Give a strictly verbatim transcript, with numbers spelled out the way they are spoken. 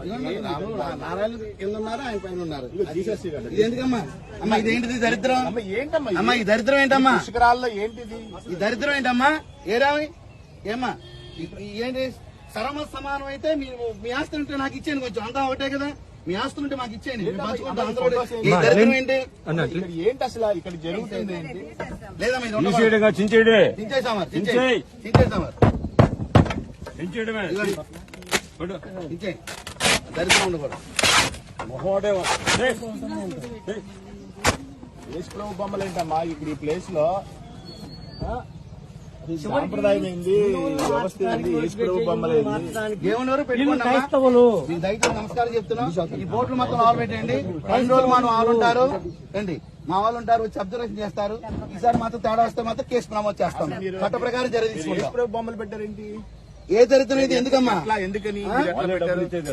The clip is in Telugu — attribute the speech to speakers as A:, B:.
A: నారాయణ కింద ఉన్నారు, ఆయన పైన ఉన్నారు. ఇది ఎందుకమ్మా? అమ్మా ఇదేంటిది దరిద్రం?
B: ఏంటమ్మా
A: అమ్మా ఈ దరిద్రం ఏంటమ్మా?
B: పుష్కరాల్లో ఏంటిది
A: ఈ దరిద్రం ఏంటమ్మా? ఏరామి ఏమ్మా ఏంటి? సరమ సమానం అయితే మీ ఆస్తులు ఉంటే నాకు ఇచ్చేయండి, కొంచెం అంతా ఒకటే కదా. మీ ఆస్తులు ఉంటే మాకు ఇచ్చేయండి. దరిద్రం ఏంటి?
B: ఏంటి అసలు ఇక్కడ జరుగుతుంది ఏంటి?
A: లేదా
C: చించేయడే
A: చించేసామా? చించేసామా? చించే దరిద్రం ఉండకూడదు.
C: మొహోడే
B: యేసు ప్రభు బొమ్మలు ఏంటమ్మా ఇక్కడ ఈ ప్లేస్ లో? సాంప్రదాయం ఏంది, వ్యవస్థ ఏంది? యేసు ప్రభు బొమ్మలు
A: దేవుని వరకు పెట్టుకోండి. మీకు దయచేసి నమస్కారం చెప్తున్నాం. ఈ బోట్లు మొత్తం ఆలు పెట్టండి. రెండు రోజులు మనం ఆలు ఉంటారు రండి, మా వాళ్ళు ఉంటారు, వచ్చి అబ్జర్వేషన్ చేస్తారు. ఈసారి మాత్రం తేడా వస్తే మాత్రం కేసు నమోదు చేస్తాం. చట్ట ప్రకారం చర్య తీసుకుంటాం.
B: యేసు ప్రభు బొమ్మలు పెట్టారేంటి?
A: ఏ దరిద్రం ఇది? ఎందుకమ్మా?
B: ఎందుకని